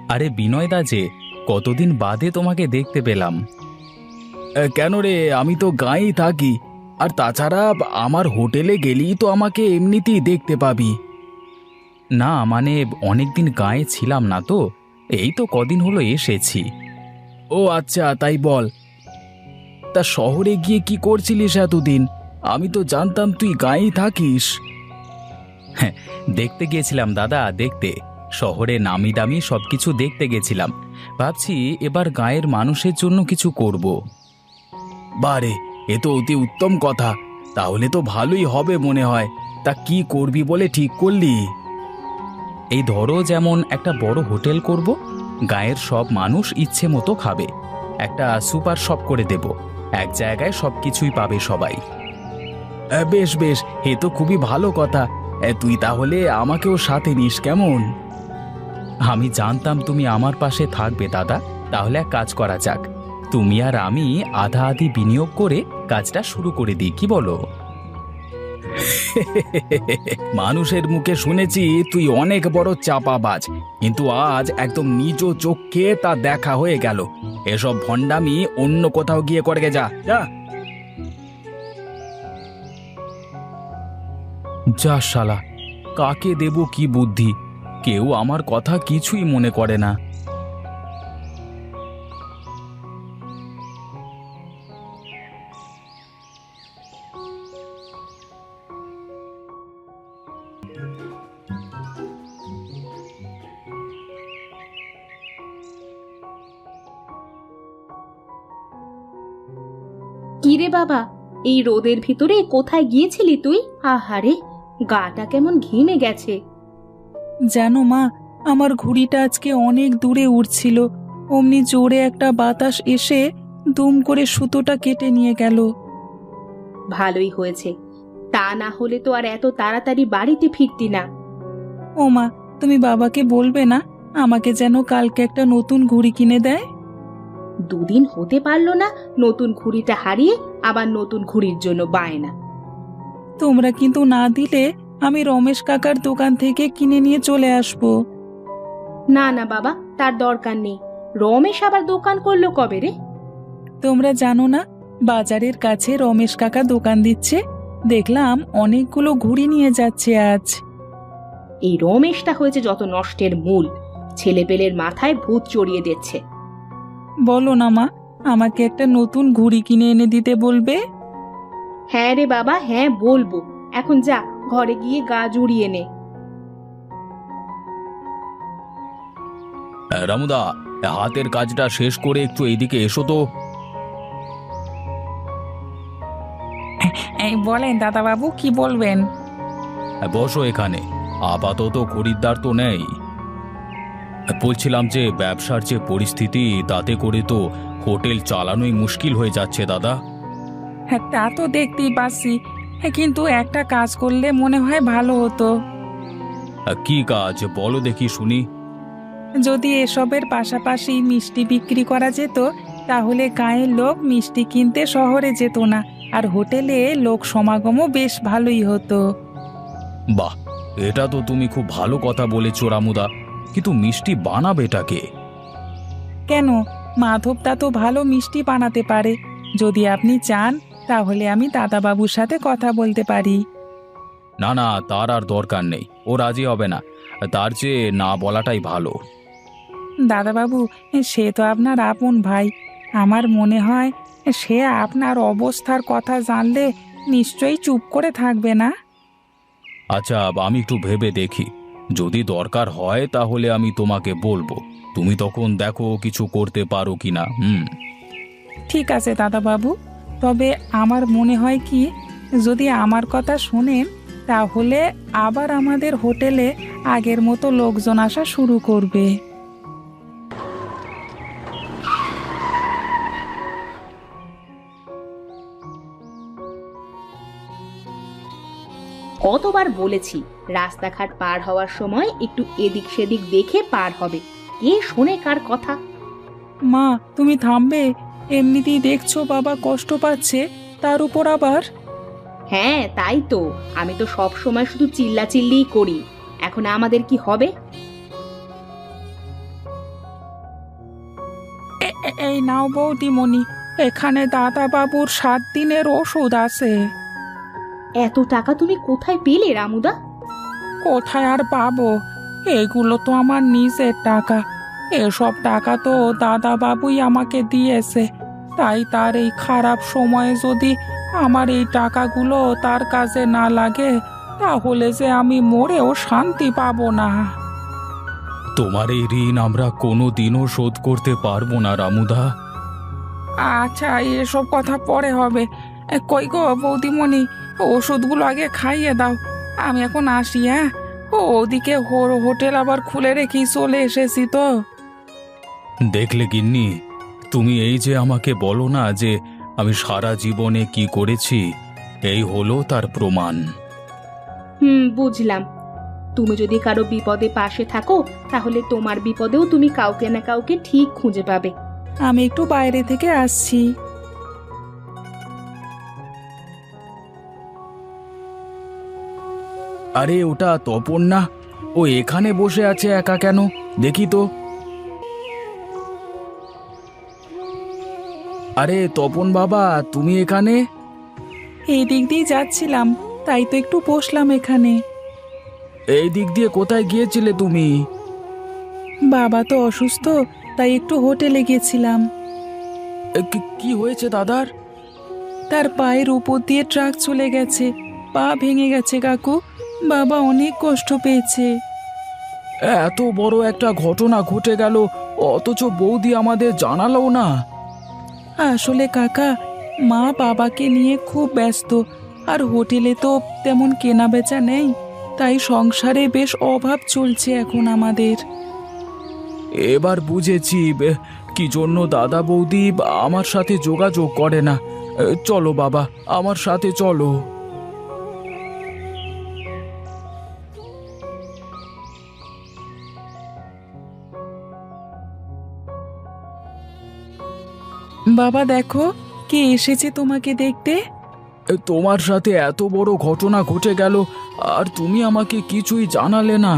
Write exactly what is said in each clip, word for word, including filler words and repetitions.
আরে বিনয়দা যে, কতদিন বাদে তোমাকে দেখতে পেলাম। এ, কেন রে, আমি তো গাঁয়েই থাকি। আর তাছাড়া আমার হোটেলে গেলেই তো আমাকে এমনিতেই দেখতে পাবি। না মানে অনেকদিন গাঁয়ে ছিলাম না তো, এই তো কদিন হলো এসেছি। ও আচ্ছা, তাই বল। তা শহরে গিয়ে কি করছিলিস এতদিন? আমি তো জানতাম তুই গাঁয়েই থাকিস। হ্যাঁ, দেখতে গিয়েছিলাম দাদা, দেখতে। শহরে নামি দামি সবকিছু দেখতে গেছিলাম। ভাবছি এবার গাঁয়ের মানুষের জন্য কিছু করব। বারে, এ তো অতি উত্তম কথা। তাহলে তো ভালোই হবে মনে হয়। তা কি করবি বলে ঠিক করলি? এই ধরো, যেমন একটা বড় হোটেল করব, গাঁয়ের সব মানুষ ইচ্ছে মতো খাবে। একটা সুপার শপ করে দেব, এক জায়গায় সবকিছুই পাবে সবাই। আহ, বেশ বেশ, এ তো খুবই ভালো কথা। আহ, তুই তাহলে আমাকেও সাথে নিস কেমন? আমি জানতাম তুমি আমার পাশে থাকবে দাদা। তাহলে এক কাজ করা যাক, তুমি আর আমি আধা আধি বিনিয়োগ করে কাজটা শুরু করে দিই, কি বলো? মানুষের মুখে শুনেছি তুই অনেক বড় চাপাবাজ, কিন্তু আজ একদম নিজ চোখে তা দেখা হয়ে গেল। এসব ভণ্ডামি অন্য কোথাও গিয়ে করে যা যা। যা শালা, কাকে দেব কি বুদ্ধি? কেউ আমার কথা কিছুই মনে করে না। কিরে বাবা, এই রোদের ভিতরে কোথায় গিয়েছিলি তুই? আহারে, গাটা কেমন ঘেমে গেছে। জানো মা, আমার ঘুড়িটা আজকে অনেক দূরে উড়ছিল, অমনি জোরে একটা বাতাস এসে দুম করে সুতোটা কেটে নিয়ে গেল। ভালোই হয়েছে, তা না হলে তো আর এত তাড়াতাড়ি বাড়িতে ফিরতি না। ও মা, তুমি বাবাকে বলবে না আমাকে যেন কালকে একটা নতুন ঘুড়ি কিনে দেয়? দুদিন হতে পারলো না, নতুন ঘুড়িটা হারিয়ে আবার নতুন ঘুড়ির জন্য বায়না। তোমরা কিন্তু না দিলে আমি রমেশ কাকার দোকান থেকে কিনে নিয়ে চলে আসবো। না না বাবা, তার দরকার নেই। রমেশ আবার দোকান করলো কবে রে? তোমরা জানো না, বাজারের কাছে রমেশ কাকা দোকান দিচ্ছে, দেখলাম অনেকগুলো ঘুড়ি নিয়ে যাচ্ছে আজ। এই রমেশটা হয়েছে যত নষ্টের মূল, ছেলেপেলের মাথায় ভূত চড়িয়ে দিচ্ছে। বলো না মা, আমাকে একটা নতুন ঘুড়ি কিনে এনে দিতে বলবে? হ্যাঁ রে বাবা, হ্যাঁ বলবো। এখন যা, ঘরে গিয়ে গা জুড়িয়ে নে। রামুদা, হাতের কাজটা শেষ করে একটু এইদিকে এসো তো। এই বলেন দাদাবাবু, কি বলবেন? বসো এখানে। আপাতত খরিদ্দার তো নেই। বলছিলাম যে ব্যবসার যে পরিস্থিতি, তাতে করে তো হোটেল চালানোই মুশকিল হয়ে যাচ্ছে দাদা। হ্যাঁ, তা তো দেখতেই পাচ্ছি। হ্যাঁ, কিন্তু একটা কাজ করলে মনে হয় ভালো হতো। কি কাজ বলো দেখি শুনি। যদি এসবের পাশাপাশি মিষ্টি বিক্রি করা যেত, তাহলে গাঁয়ের লোক মিষ্টি কিনতে শহরে যেত না, আর হোটেলে লোক সমাগমও বেশ ভালোই হতো। বাহ, এটা তো তুমি খুব ভালো কথা বলেছো রামুদা, কিন্তু মিষ্টি বানাবেটাকে? কেন, মাধবদা তো ভালো মিষ্টি বানাতে পারে। যদি আপনি চান তাহলে আমি দাদাবাবুর সাথে কথা বলতে পারি। না না, তার আর দরকার নেই, ও রাজি হবে না। তার চেয়ে না বলাটাই ভালো। দাদাবাবু, সে তো আপনার আপন ভাই। আমার মনে হয় সে আপনার অবস্থার কথা জানলে নিশ্চয়ই চুপ করে থাকবে না। আচ্ছা, আমি একটু ভেবে দেখি। যদি দরকার হয় তাহলে আমি তোমাকে বলবো। তুমি তখন দেখো কিছু করতে পারো কিনা। হুম। ঠিক আছে দাদাবাবু, তবে আমার মনে হয় কি, যদি আমার কথা শোনেন তাহলে আবার আমাদের হোটেলে আগের মতো লোকজন আসা শুরু করবে। কতবার বলেছি, রাস্তাঘাট পার হওয়ার সময় একটু এদিক সেদিক দেখে পার হবে। কে শোনে কার কথা? মা, তুমি থামবে? এমনিতেই দেখছো বাবা কষ্ট পাচ্ছে, তার উপর আবার। হ্যাঁ তাই তো, আমি তো সব সময় শুধু চিল্লা চিল্লিই করি। এখন আমাদের কি হবে? এই নাও বৌদিমণি, এখানে দাদা বাবুর সাত দিনের ওষুধ আছে। এত টাকা তুমি কোথায় পেলে রামুদা? কোথায় আর পাবো, এগুলো তো আমার নিজের টাকা। এসব টাকা তো দাদা বাবুই আমাকে দিয়েছে, তাই তার এই খারাপ সময়ে যদি আমার এই টাকাগুলো তার কাজে না লাগে, তাহলে যে আমি মরেও শান্তি পাবো না। তোমার এই ঋণ আমরা কোনো দিনও শোধ করতে পারবো না রামুদা। আচ্ছা, এসব কথা পরে হবে। এ, কই গো বৌদিমণি, ওষুধগুলো আগে খাইয়ে দাও। আমি এখন আসি। হ্যাঁ, ও ওদিকে হো- হোটেল আবার খুলে রেখেই চলে এসেছি তো। দেখলে গিন্নি, তুমি এই যে আমাকে বলো না যে আমি সারা জীবনে কি করেছি, এই হলো তার প্রমাণ। হুম, বুঝলাম। তুমি যদি কারো বিপদে পাশে থাকো, তাহলে তোমার বিপদেও তুমি কাউকে না কাউকে ঠিক খুঁজে পাবে। আমি একটু বাইরে থেকে আসছি। আরে ওটা তপন না? ও এখানে বসে আছে একা কেন, দেখি তো। আরে তপন বাবা, তুমি এখানে? এই দিক দিয়ে যাচ্ছিলাম, তাই তো একটু বসলাম এখানে। এই দিক দিয়ে কোথায় গিয়েছিলে তুমি? বাবা তো অসুস্থ, তাই একটু হোটেলে গেছিলাম। এ, কি- কি হয়েছে দাদার? তার পায়ের উপর দিয়ে ট্রাক চলে গেছে, পা ভেঙে গেছে কাকু। বাবা অনেক কষ্ট পেয়েছে। এত বড় একটা ঘটনা ঘটে গেল, অথচ বৌদি আমাদের জানালো না। আসলে কাকা, মা বাবাকে নিয়ে খুব ব্যস্ত, আর হোটেলে তো তেমন কেনা বেচা নেই, তাই সংসারে বেশ অভাব চলছে এখন আমাদের। এবার বুঝেছি বে, কি জন্য দাদা বৌদি আমার সাথে যোগাযোগ করে না। এ, চলো বাবা, আমার সাথে চলো। বাবা দেখো, কে এসেছে তোমাকে দেখতে। এ, তোমার সাথে এত বড় ঘটনা ঘটে গেল, আর তুমি আমাকে কিছুই জানালে না।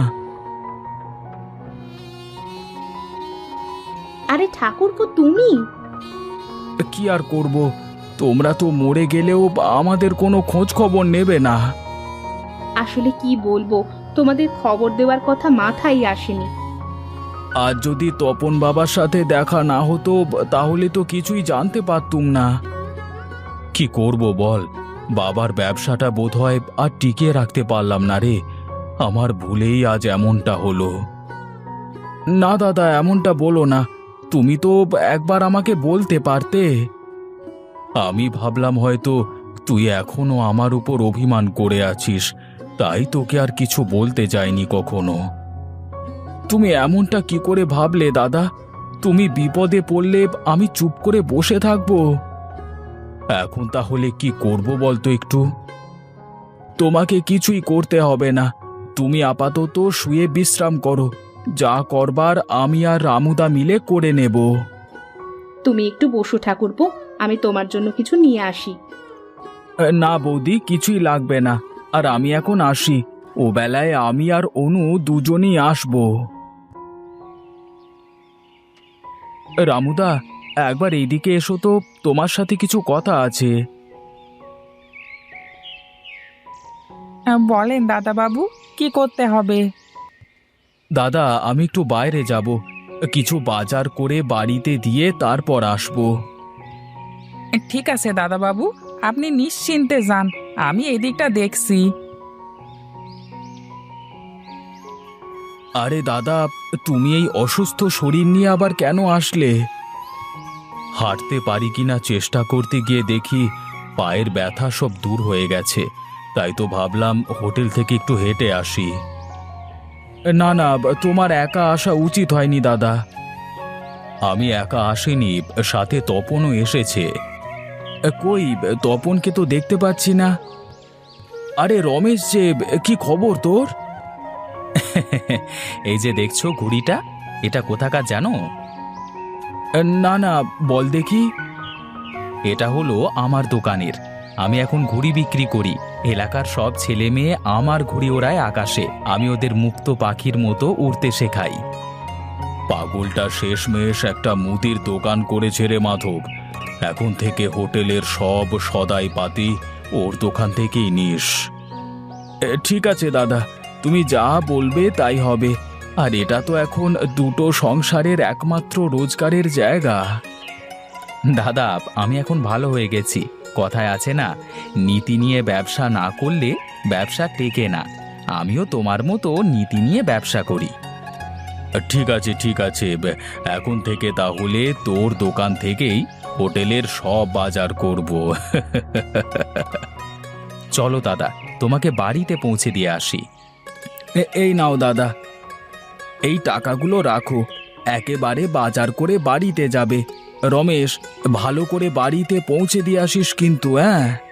আরে ঠাকুরপো, তুমি? কি আর করব, তোমরা তো মরে গেলেও আমাদের কোনো খোঁজ খবর নেবে না। আসলে কি বলবো, তোমাদের খবর দেওয়ার কথা মাথায় আসেনি। আর যদি তপন বাবার সাথে দেখা না হতো, তাহলে তো কিছুই জানতে পারতুম না। কি করব বল, বাবার ব্যবসাটা বোধহয় আর টিকিয়ে রাখতে পারলাম না রে। আমার ভুলেই আজ এমনটা হলো। না দাদা, এমনটা বলো না। তুমি তো একবার আমাকে বলতে পারতে। আমি ভাবলাম হয়তো তুই এখনো আমার উপর অভিমান করে আছিস, তাই তোকে আর কিছু বলতে যাইনি কখনো। তুমি এমনটা কি করে ভাবলে দাদা? তুমি বিপদে পড়লে আমি চুপ করে বসে থাকবো? এখন তাহলে কি করব বলতো একটু? তোমাকে কিছুই করতে হবে না, তুমি আপাতত শুয়ে বিশ্রাম করো। যা করবার আমি আর রামুদা মিলে করে নেব। তুমি একটু বসো ঠাকুরপো, আমি তোমার জন্য কিছু নিয়ে আসি। না বৌদি, কিছুই লাগবে না। আর আমি এখন আসি, ও বেলায় আমি আর অনু দুজনেই আসবো। রামুদা, একবার এইদিকে এসো তো, তোমার সাথে কিছু কথা আছে। বলেন দাদা বাবু, কি করতে হবে? দাদা, আমি একটু বাইরে যাব, কিছু বাজার করে বাড়িতে দিয়ে তারপর আসবো। ঠিক আছে দাদা বাবু, আপনি নিশ্চিন্তে যান, আমি এদিকটা দেখছি। আরে দাদা, তুমি এই অসুস্থ শরীর নিয়ে আবার কেন আসলে? হাঁটতে পারি কিনা চেষ্টা করতে গিয়ে দেখি পায়ের ব্যথা সব দূর হয়ে গেছে, তাই তো ভাবলাম হোটেল থেকে একটু হেঁটে আসি। না না, তোমার একা আসা উচিত হয়নি দাদা। আমি একা আসিনি, সাথে তপনও এসেছে। কই, তপনকে তো দেখতে পাচ্ছি না। আরে রমেশ যে, কি খবর তোর? এই যে দেখছো ঘুড়িটা, এটা কোথাকার জানো? না না, বল দেখি। এটা হলো আমার দোকানের। আমি এখন ঘুড়ি বিক্রি করি। এলাকার সব ছেলে মেয়ে আমার ঘুড়ি ওড়ায় আকাশে, আমি ওদের মুক্ত পাখির মতো উড়তে শেখাই। পাগলটা শেষমেশ একটা মুদির দোকান করেছে রে মাধব। এখন থেকে হোটেলের সব সদাই পাতি ওর দোকান থেকেই নিস। এ, ঠিক আছে দাদা, তুমি যা বলবে তাই হবে। আর এটা তো এখন দুটো সংসারের একমাত্র রোজগারের জায়গা। দাদা, আমি এখন ভালো হয়ে গেছি। কথায় আছে না, নীতি নিয়ে ব্যবসা না করলে ব্যবসা টেকে না। আমিও তোমার মতো নীতি নিয়ে ব্যবসা করি। ঠিক আছে ঠিক আছে, বে- এখন থেকে তাহলে তোর দোকান থেকেই হোটেলের সব বাজার করব। চলো দাদা, তোমাকে বাড়িতে পৌঁছে দিয়ে আসি। এ- এই নাও দাদা, এই টাকাগুলো রাখো। একেবারে বাজার করে বাড়িতে যাবে। রমেশ, ভালো করে বাড়িতে পৌঁছে দিয়ে আসিস কিন্তু, হ্যাঁ?